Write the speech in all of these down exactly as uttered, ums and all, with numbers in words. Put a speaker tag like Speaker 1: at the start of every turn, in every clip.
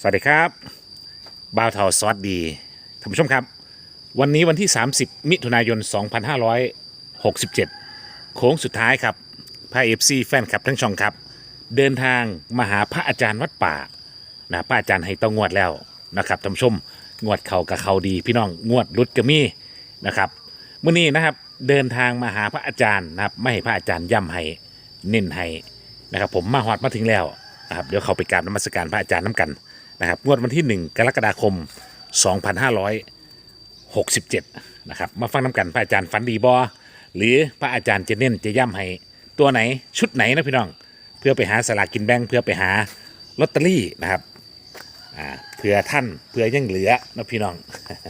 Speaker 1: วัสดีครับบ่าวเทาซอสดีท่านผู้ชมครับวันนี้วันที่ สามสิบ มิถุนายน สองพันห้าร้อยหกสิบเจ็ด โค้งสุดท้ายครับพระเอฟซีแฟนคลับทั้งช่องครับเดินทางมาหาพระอาจารย์วัดป่านะพระอาจารย์ให้ต้องงวดแล้วนะครับท่านผู้ชมงวดเขากับเขาดีพี่น้องงวดรุดกระมี่นะครับเมื่อนี้นะครับเดินทางมาหาพระอาจารย์นะครับไม่ให้พระอาจารย์ย่ำให้เน้นให้นะครับผมมาฮอดมาถึงแล้วนะครับเดี๋ยวเขาไปกราบนมัสการพระอาจารย์น้ำกันนะครับงวดวันที่หนึ่งกรกฎาคมสองพันห้าร้อยหกสิบเจ็ดนะครับมาฟังน้ำกันพระอาจารย์ฝันดีบอหรือพระอาจารย์จะเน้นจะย่ำให้ตัวไหนชุดไหนนะพี่น้องเพื่อไปหาสลากกินแบ่งเพื่อไปหาลอตเตอรี่นะครับอ่าเพื่อท่านเพื่อยังเหลือนะพี่น้อง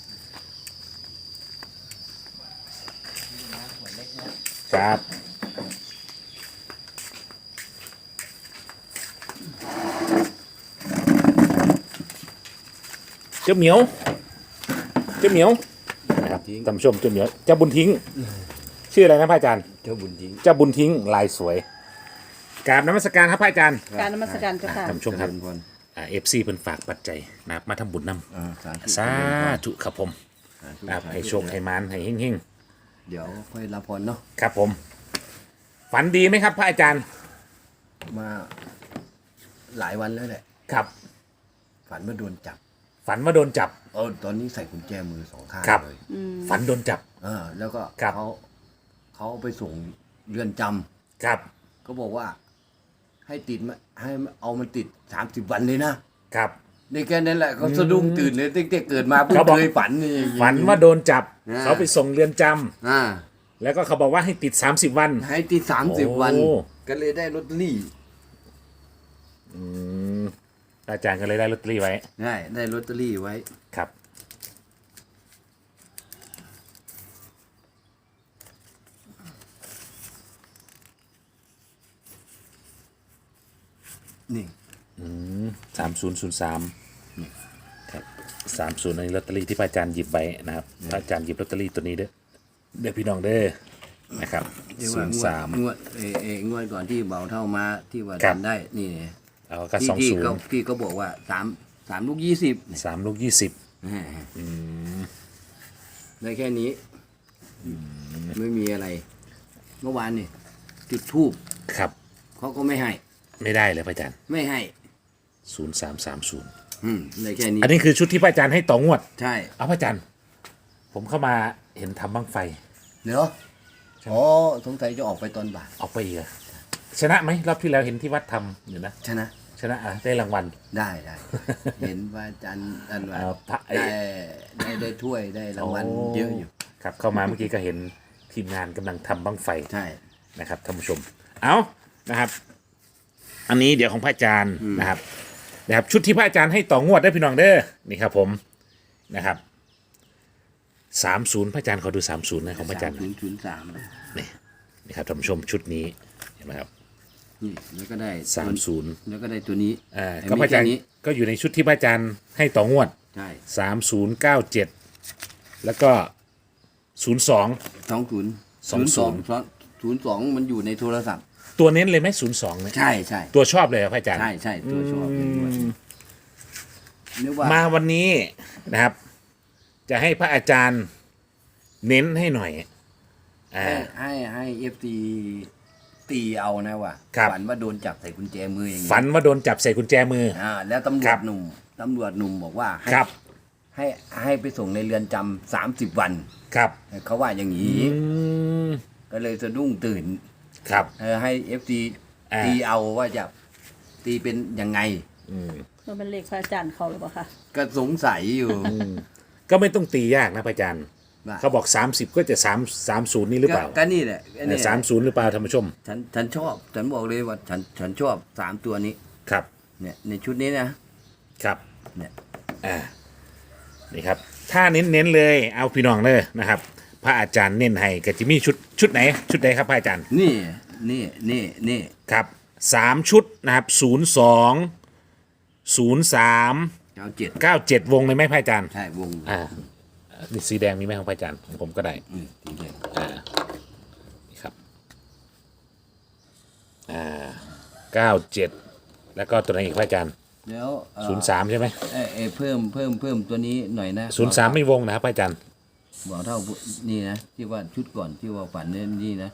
Speaker 1: ครับเจ้าเหมียวเจ้าเหมียวนะครับท่านผู้ชมเจ้าเหมียวเจ้าบุญทิ้งชื่ออะไรนะพระอาจารย์
Speaker 2: เจ้าบุญทิ้ง
Speaker 1: เจ้าบุญทิ้งลายสวยกราบนมัสการครับพระอาจารย์
Speaker 3: การนมัสการเจ้าค่ะ
Speaker 1: ท่านผู้ชมครับเอฟซีเพิ่นฝากปัจจัยนะครับมาทำบุญนำสาธุครับผมนะครับให้โชคให้มานให้เฮง
Speaker 2: ๆเดี๋ยวค่อยรับพรเนาะ
Speaker 1: ครับผมฝันดีไหมครับพระอาจารย์
Speaker 2: มาหลายวันแล้วแหละ
Speaker 1: ครับ
Speaker 2: ฝันว่าโดนจับ
Speaker 1: ฝันว่าโดนจับ
Speaker 2: เออตอนนี้ใส่กุญแจมือสองข้างเลย
Speaker 1: ฝันโดนจับ
Speaker 2: เออแล้วก็เขาเขาไปส่งเรือนจ
Speaker 1: ำครับ
Speaker 2: ก็บอกว่าให้ติดมาให้เอามันติดสามสิบวันเลยนะครับในแค่นั้นแหละเขาสะดุ้งตื่นเลยตั้งแต่เกิดมาเพิ่งเคยฝันนี่
Speaker 1: ฝันว่าโดนจับเขาไปส่งเรือนจ
Speaker 2: ำอ่า
Speaker 1: แล้วก็เขาบอกว่าให้ติดสามสิบวัน
Speaker 2: ให้ติดสามสิบวันก็เลยได้ลอตเตอรี่
Speaker 1: อืมอาจารย์ก็เลยได้ลอตเตอรี่ไว้
Speaker 2: ได้ได้ลอตเตอรี่ไว้
Speaker 1: ครับ
Speaker 2: นี่
Speaker 1: สามศูนย์ศูนย์สามครับสามศูนย์ในลอตเตอรี่ที่พระอาจารย์หยิบไว้นะครับพระอาจารย์หยิบลอตเตอรี่ตัวนี้เด้อเด้อพี่น้องเด้อนะครับศูนย์สาม
Speaker 2: งวดเอเองวดก่อนที่เบาเท่ามาที่ว่าทำได้นี่
Speaker 1: เอาก็สองศูนย์
Speaker 2: พี่ก็บอกว่าสามสามลูกยี่สิบ
Speaker 1: สามลูกยี่สิบ
Speaker 2: ได้แค่นี้ไม่มีอะไรเมื่อวานนี่จุดทูบ
Speaker 1: ครับ
Speaker 2: เขาก็ไม่ให้
Speaker 1: ไม่ได้เลยพระอาจารย์
Speaker 2: ไม่ให้
Speaker 1: ศูนย์สามสามศูนย์
Speaker 2: ได้แค่นี้
Speaker 1: อันนี้คือชุดที่พระอาจารย์ให้ต่องวด
Speaker 2: ใช่
Speaker 1: เอาพระอาจารย์ผมเข้ามาเห็นทำบั้งไฟ
Speaker 2: เนาะอ๋อสงสัยจะออกไปตอนบ่าย
Speaker 1: ออกไปอีกชนะไหมรอบที่แล้วเห็นที่วัดทำอยู่นะ
Speaker 2: ชนะ
Speaker 1: ชนะอ่ะได้รางวัล
Speaker 2: ได้ได้เห็นว่าอาจารย์อันว่าได้ได้ได้ถ้วยได้รางวัลเยอะอยู่
Speaker 1: ครับเข้ามาเมื่อกี้ก็เห็นทีมงานกำลังทำบั้งไฟ
Speaker 2: ใช่
Speaker 1: นะครับท่านผู้ชมเอานะครับอันนี้เดี๋ยวของพระอาจารย์นะครับนะครับชุดที่พระอาจารย์ให้ต่องวดได้พี่น้องเด้อนี่ครับผมนะครับสามศูนย์พระอาจารย์เขาดูสามศูนย์นะของพระอาจารย์
Speaker 2: ศูนย์ศูนย์สาม
Speaker 1: นี่นี่ครับท่านผู้ชมชุดนี้เห็นไหมครับ
Speaker 2: นี่แล้วก็ได้
Speaker 1: สามศูนย์
Speaker 2: แล้วก็ได้ตัวนี้
Speaker 1: อ่าก็พระอาจารย์ก็อยู่ในชุดที่พระอาจารย์ให้ต่องวด
Speaker 2: ใช่
Speaker 1: สามศูนย์เก้าเจ็ดแล้วก็ศูนย์สอง
Speaker 2: สองศูนย์
Speaker 1: สองศูนย์
Speaker 2: ศูนย์สองมันอยู่ในโทรศัพท์
Speaker 1: ตัวเน้นเลยไหมศูนย์สองไหม
Speaker 2: ใช่ใช่
Speaker 1: ตัวชอบเลยครับพระอาจารย์
Speaker 2: ใช่ใช่ตัวชอบ
Speaker 1: มาวันนี้นะครับจะให้พระอาจารย์เน้นให้หน่อย
Speaker 2: ให้ให้ให้เอฟซีตีเอานะว่าฝันว่าโดนจับใส่กุญแจมืออย่างนี้
Speaker 1: ฝันว่าโดนจับใส่กุญแจมือ
Speaker 2: อ่าแล้วตำรวจหนุ่มตำรวจหนุ่มบอกว่าให้ให้ให้ไปส่งในเรือนจำสามสิบวัน
Speaker 1: ครับ
Speaker 2: เขาว่าอย่างนี้ก็เลยสะดุ้งตื่น
Speaker 1: ครับ
Speaker 2: ให้เอฟซีตีเอาว่าจะตีเป็นยังไง
Speaker 3: มันเป็นเลขพระอาจารย์เขาหรือเปล่าคะ
Speaker 2: ก็สงสัยอยู่
Speaker 1: ก็ไม่ต้องตียากนะพระอาจารย์เขาบอกสามสิบก็จะสามสามศูนย์นี่หรือเปล่า
Speaker 2: ก็นี่แหละ
Speaker 1: สามศูนย์หรือเปล่าท่านผู้ชม
Speaker 2: ฉันฉันชอบฉันบอกเลยว่าฉันฉันชอบสามตัวนี้
Speaker 1: ครับ
Speaker 2: เนี่ยในชุดนี้นะครับเนี่ย
Speaker 1: อ่านี่ครับถ้าเน้นเน้นเลยเอาพี่น้องเลยนะครับพระอาจารย์เน้นให้กับจิมี่ชุดชุดไหนชุดไหนครับพระอาจารย์
Speaker 2: นี่นี่นี่นี่
Speaker 1: ครับสามชุดนะครับศูนย์สองศูนย์สาม
Speaker 2: เก้าเจ็ด
Speaker 1: เก้าเจ็ดวงเลยไหมพระอาจารย์
Speaker 2: ใช่วง
Speaker 1: อ่านี่สีแดงมีไหมของพระอาจารย์ของผมก็ได้
Speaker 2: อืมสีแดง
Speaker 1: อ่านี่ครับอ่าเก้าเจ็ดแล้วก็ตัวไหนอีกพระอาจารย์
Speaker 2: แล้วเอ่อ
Speaker 1: ศูนย์สามใช่ไหม
Speaker 2: เอ้ยเอ้ยเพิ่มเพิ่มเพิ่มตัวนี้หน่อยนะ
Speaker 1: ศูนย์สามไม่วงนะครับพระอาจารย์
Speaker 2: บอกเท่านี่นะที่ว่าชุดก่อนที่ว่าฝันเนี่ยนี่นะ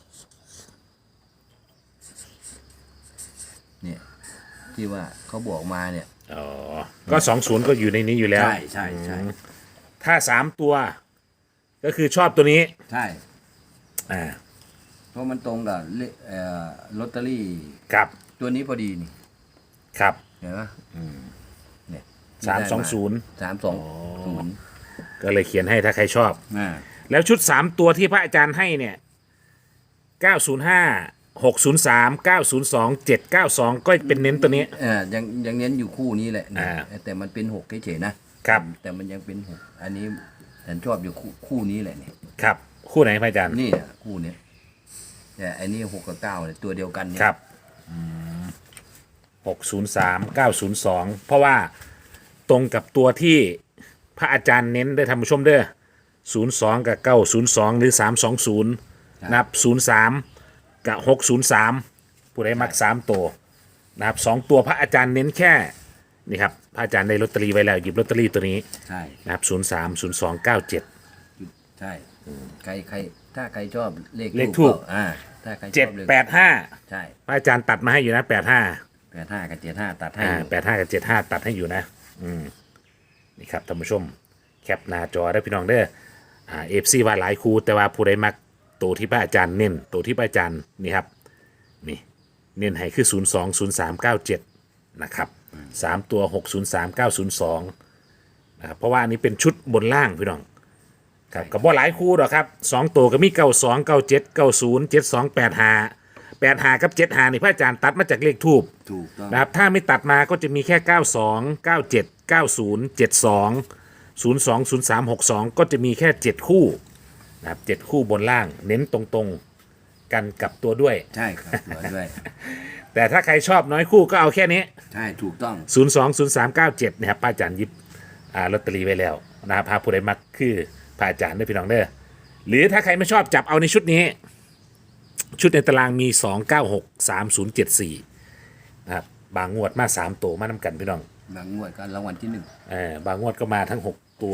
Speaker 2: เนี่ยที่ว่าเขาบอกมาเนี่ย
Speaker 1: อ๋อ ก็สองศูนย์ก็อยู่ในนี้อยู่แล้ว
Speaker 2: ใช่ใช่ใช่
Speaker 1: ถ้าสามตัว ก็คือชอบตัวนี้
Speaker 2: ใช่
Speaker 1: อ่า
Speaker 2: เพราะมันตรงกับเลเอ่อลอตเตอรี่
Speaker 1: ครับ
Speaker 2: ตัวนี้พอดีนี่
Speaker 1: ครับ
Speaker 2: เห็นไหมเนี่ย
Speaker 1: สามสองศูนย์
Speaker 2: สามสองศูนย์
Speaker 1: ก็เลยเขียนให้ถ้าใครชอบ
Speaker 2: อ่า
Speaker 1: แล้วชุดสามตัวที่พระอาจารย์ให้เนี่ยเก้าศูนย์ห้า หกศูนย์สาม เก้าศูนย์สอง เจ็ดเก้าสองก็เป็นเน้นตัวนี้
Speaker 2: อ่ายังยังเน้นอยู่คู่นี้แหละเนี่ย
Speaker 1: อ่า
Speaker 2: แต่มันเป็นหกเฉยๆนะครับ แต่มันยังเป็นหกอันนี้ฉันชอบอยู่คู่คู่นี้แหละเนี่ย
Speaker 1: ครับ คู่ไหนพระอาจารย์
Speaker 2: นี่อ่ะคู่เนี้ยแต่อันนี้หกกับเก้าเนี่ยตัวเดียวกันเนี่ย
Speaker 1: ครับหกศูนย์สาม เก้าศูนย์สอง เพราะว่าตรงกับตัวที่พระอาจารย์เน้นได้ทำผู้ชมเด้อศูนย์สองกับเก้าศูนย์สองหรือสามสองศูนย์นับศูนย์สามกับหกศูนย์สามผู้ใดมักสามตัวนะครับสองตัวพระอาจารย์เน้นแค่นี่ครับพระอาจารย์ได้ลอตเตอรี่ไว้แล้วหยิบลอตเตอรี่ตัวนี้
Speaker 2: ใช่
Speaker 1: นะครับศูนย์สามศูนย์สองเก้าเจ็ด
Speaker 2: ใช่ใครใครถ้าใครชอบเลข
Speaker 1: เลขทูป
Speaker 2: อ่าถ้าใครช
Speaker 1: เจ็ด
Speaker 2: อบเลข
Speaker 1: แปดห้า
Speaker 2: ใช่
Speaker 1: พระอาจารย์ตัดมาให้อยู่นะแปดห้า
Speaker 2: แปดห้ากับเจ็ดห้าตัดให้
Speaker 1: อ่า
Speaker 2: อยู่
Speaker 1: แปดห้ากับเจ็ดห้าตัดให้อยู่นะ อืมนี่ครับท่านผู้ชม แคปหน้าจอได้พี่น้องเด้ออ่าเอฟซีว่าหลายคูแต่ว่าผู้ใดมักตัวที่พระอาจารย์เน้นตัวที่พระอาจารย์นี่ครับ นี่ เน้นให้คือศูนย์สองศูนย์สามเก้าเจ็ดนะครับสามตัวหกศูนย์สามเก้าศูนย์สองนะครับเพราะว่าอันนี้เป็นชุดบนล่างพี่น้องครับกับว่าหลายคู่หรอกครับสองตัวก็มีเก้าสองเก้าเจ็ดเก้าศูนย์เจ็ดสองแปดห้าแปดห้ากับเจ็ดห้านี่พระอาจารย์ตัดมาจากเลขทูบ
Speaker 2: ถูกต้อง
Speaker 1: นะครับถ้าไม่ตัดมาก็จะมีแค่ เก้าสอง เก้าเจ็ด เก้าศูนย์ เจ็ดสอง ศูนย์สอง ศูนย์สาม หกสอง ก็จะมีแค่ เจ็ด คู่นะครับเจ็ดคู่บนล่างเน้นตรงๆกันกับตัวด้วย
Speaker 2: ใช่ครับตัวด้วย
Speaker 1: แต่ถ้าใครชอบน้อยคู่ก็เอาแค่นี้
Speaker 2: ใช่ถูกต้อง
Speaker 1: ศูนย์สอง ศูนย์สาม เก้าเจ็ดนะครับป้าอาจารย์หยิบอ่าลอตเตอรี่ไว้แล้วนะครับพาผู้ใดมักคือพระอาจารย์ด้วยพี่น้องเด้อหรือถ้าใครไม่ชอบจับเอาในชุดนี้ ชุดในตารางมี สอง เก้า หก สาม ศูนย์ เจ็ด สี่นะครับบางงวดมาสามตัวมานํกันพี่น้อง
Speaker 2: บางงวดก็รางวัลที่หนึ่ง
Speaker 1: เออบางงวดก็มาทั้งหกตัว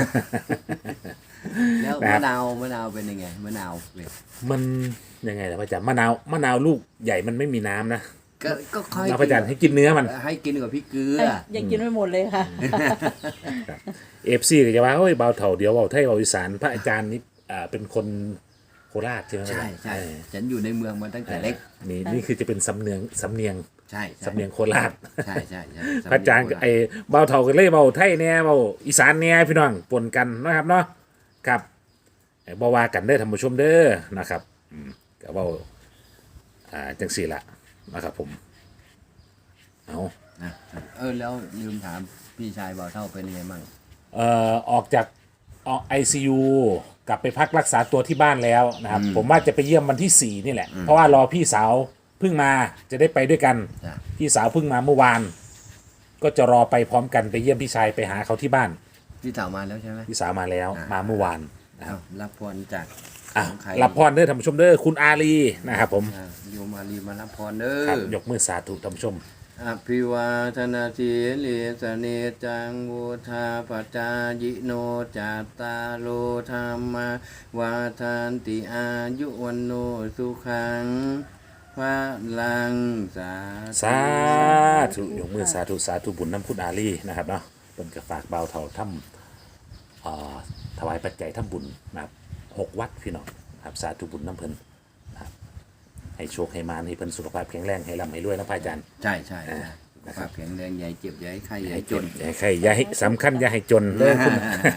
Speaker 2: แล้ว
Speaker 1: นะครั
Speaker 2: มะ
Speaker 1: บ
Speaker 2: นาวมะนาวเป็นยังไงมะนาวเนี่ย
Speaker 1: มันยังไงล่ะพระอาจารย์มะนาวมะนาวลูกใหญ่มันไม่มีน้ำนะ
Speaker 2: ก็ก็ค่อย
Speaker 1: เราพระอาจารย์ให้กินเนื้อมัน
Speaker 2: ให้กินกับพริกเกลือ
Speaker 3: เอ้ยยังกินไม่หมดเลยค่ะ
Speaker 1: เอฟซีก็จะว่าเฮ้ยเบาเถ่าเดียวเบาไทยเบาอีสานพระอาจารย์นี่อ่าเป็นคนโคราชใช่ไหม
Speaker 2: ใช่ใช่
Speaker 1: เออ
Speaker 2: ฉันอยู่ในเมืองมาตั้งแต่เล็ก
Speaker 1: นี่นี่คือจะเป็นสำเนียงสำเนียง
Speaker 2: ใช่ใช่
Speaker 1: สำเนียงโคราช
Speaker 2: ใช่ใช่ใช่
Speaker 1: พระอาจารย์ก็ไอ้เบาเถ่ากันเลยเบาไทยเนี่ยเบาอีสานเนี่ยพี่น้องปนกันนะครับเนาะครับไอ้บาวากันเด้อท่านผู้ชมเด้อนะครับอืมก็เบาอ่าจังสี่ละนะครับผมเอา
Speaker 2: นะเออแล้วลืมถามพี่ชายบ่าวเท่าเป็นยังไงบ้าง
Speaker 1: เอ่อออกจากออกไอซียูกลับไปพักรักษาตัวที่บ้านแล้วนะครับ ผมว่าจะไปเยี่ยมวันที่สี่นี่แหละ เพราะว่ารอพี่สาวเพิ่งมาจะได้ไปด้วยกัน
Speaker 2: จ้ะ
Speaker 1: พี่สาวเพิ่งมาเมื่อวาน ก็จะรอไปพร้อมกันไปเยี่ยมพี่ชายไปหาเขาที่บ้าน
Speaker 2: พี่สาวมาแล้วใช่ไหม
Speaker 1: พี่สาวมาแล้ว
Speaker 2: อ่าม
Speaker 1: มาเมื่อวาน
Speaker 2: เอารับพรจาก
Speaker 1: อ่ะ
Speaker 2: ของใคร
Speaker 1: รับพรเด้อท่านผู้ชมเด้อคุณอาลีนะครับผม
Speaker 2: อ่าโยมารีมารับพรเด้
Speaker 1: ครับ
Speaker 2: อย
Speaker 1: กมือสาธุท่านผู้ชม
Speaker 2: อภิวาทนาสีลิสเนจังวุธาปจายิโนจัตตาโลธรรมวาทานติอายุวันโนสุขังพระลังสาธุ
Speaker 1: สาธุยกมือสาธุสาธุบุญน้ำคุณอาลีนะครับเนาะเป็นกระฝากเบาเท่าถ้ำเอ่อถวายปัจจัยถ้ำบุญนะครับหกวัดพี่น้องนะครับสาธุบุญน้ำเพลินนะครับให้โชคให้มานให้เพิ่นสุขภาพแข็งแรงให้ร่ำให้รวยนะพระอาจารย์
Speaker 2: ใช่ใช่ใช่สุขภาพแข็งแรงใหญ่เจ็บใหญ่ไข้ใหญ่จน
Speaker 1: อย่าให้ใครอย่าให้สำคัญอย่าให้จนเลยคุณ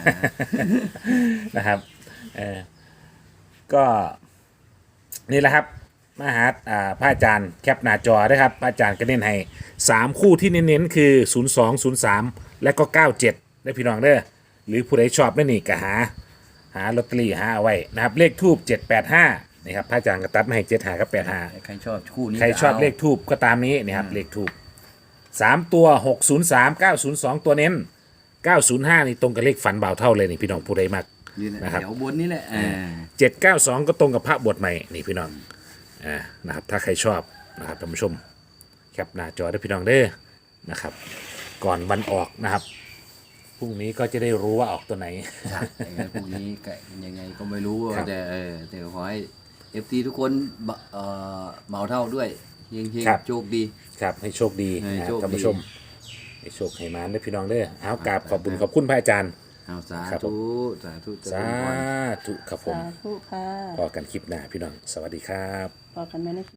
Speaker 1: นะครับเออก็นี่แหละครับมาหาอ่าพระอาจารย์แคปหน้าจอนะครับ พระอาจารย์ก็เน้นให้สามคู่ที่เน้นๆคือ ศูนย์สอง ศูนย์สาม และก็ เก้าเจ็ดได้พี่น้องเด้อหรือผู้ใดชอบไม่นี่ก็หา หาลอตเตอรี่หาเอาไว้นะครับ เลขทูบเจ็ดแปดห้านี่ครับพระอาจารย์ก็ตัดมาให้เจ็ดหากับแปดหา
Speaker 2: ใครชอบคู่นี้
Speaker 1: ใครชอบ
Speaker 2: ก็า
Speaker 1: เลขทูบก็ตามนี้นี่ครับเลขทูบสามตัวหกศูนย์สามเก้าศูนย์สองตัวเน้นเก้าศูนย์ห้านี่ตรงกับเลขฝันบ่าวเท่าเลยนี่พี่น้องผู้ใดมัก
Speaker 2: นี่แหละ
Speaker 1: นะครับ
Speaker 2: แถวบนนี่แหละอ่า
Speaker 1: เจ็ดเก้าสองก็ตรงกับพระบวชใหม่นี่พี่น้องอ่านะครับถ้าใครชอบนะครับท่านผู้ชมแคปหน้าจอได้พี่น้องเด้อนะครับ ก่อนวันออกนะครับพรุ่งนี้ก็จะได้รู้ว่าออกตัวไหน
Speaker 2: ใช่ยังไงพรุ่งนี้ก็ยังไงก็ไม่รู้
Speaker 1: ครับ
Speaker 2: แต่เออแต่ขอให้เอฟซีทุกคนบะเอ่อเหมาเท่าด้วยเฮง
Speaker 1: ครับ
Speaker 2: ๆโชคดี
Speaker 1: ครับให้โชคดี
Speaker 2: ให้
Speaker 1: นะค
Speaker 2: โช
Speaker 1: รับ
Speaker 2: คดี
Speaker 1: ท่านผู้ชมให้โชคให้มานได้อพี่น้องเด้อเอากราบขอบคุณขอบคุณพระอาจารย์
Speaker 2: เอาสา
Speaker 1: ครับผ
Speaker 2: ธุ
Speaker 1: ม
Speaker 2: สาธุเจ
Speaker 1: สา
Speaker 2: ริญพร
Speaker 1: ธุครับผม
Speaker 3: สาธุค่ะ
Speaker 1: พอกันคลิปหน้าพี่น้อง สวัสดีครับ
Speaker 3: พอกันไหมใน